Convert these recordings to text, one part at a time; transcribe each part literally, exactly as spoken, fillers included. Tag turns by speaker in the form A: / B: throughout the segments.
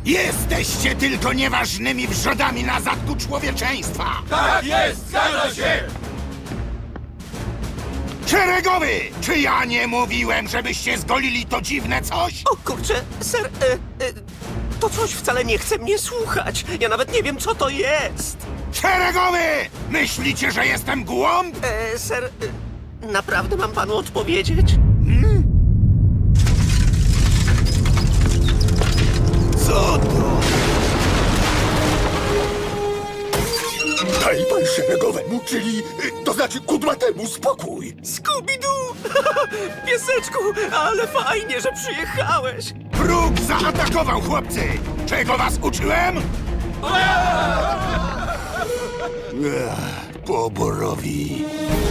A: Jesteście tylko nieważnymi wrzodami na zadku człowieczeństwa!
B: Tak jest, zgadza się!
A: Szeregowy! Czy ja nie mówiłem, żebyście zgolili to dziwne coś?
C: O kurczę, ser, e, e, to coś wcale nie chce mnie słuchać. Ja nawet nie wiem, co to jest.
A: Szeregowy! Myślicie, że jestem głąb?
C: E, ser, e, naprawdę mam panu odpowiedzieć?
A: Co to?
B: Daj pan szeregowemu, czyli, y, to znaczy kudłatemu spokój.
C: Scooby-Doo! Pieseczku, ale fajnie, że przyjechałeś.
A: Wróg zaatakował, chłopcy! Czego was uczyłem? Ech, poborowi.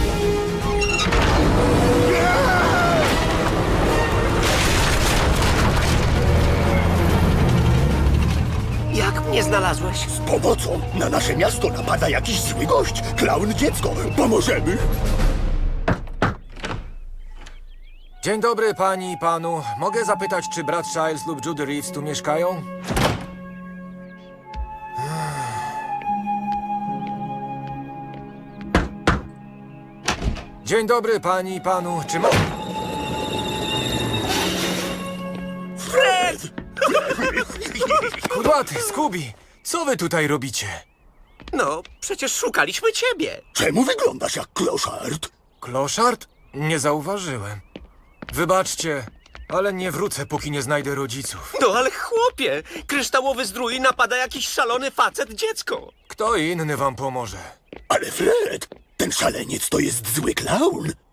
C: Jak mnie znalazłeś?
B: Z pomocą na nasze miasto napada jakiś zły gość. Klaun dziecko. Pomożemy?
D: Dzień dobry pani i panu. Mogę zapytać, czy brat Giles lub Judy Reeves tu mieszkają? Dzień dobry pani i panu. Czy mo...
C: Fred!
D: Kudłaty, Scooby, co wy tutaj robicie?
C: No, przecież szukaliśmy ciebie.
B: Czemu wyglądasz jak kloszard?
D: Kloszard? Nie zauważyłem. Wybaczcie, ale nie wrócę, póki nie znajdę rodziców.
C: No ale chłopie, kryształowy zdrój napada jakiś szalony facet dziecko.
D: Kto inny wam pomoże?
B: Ale Fred, ten szaleniec to jest zły klaun.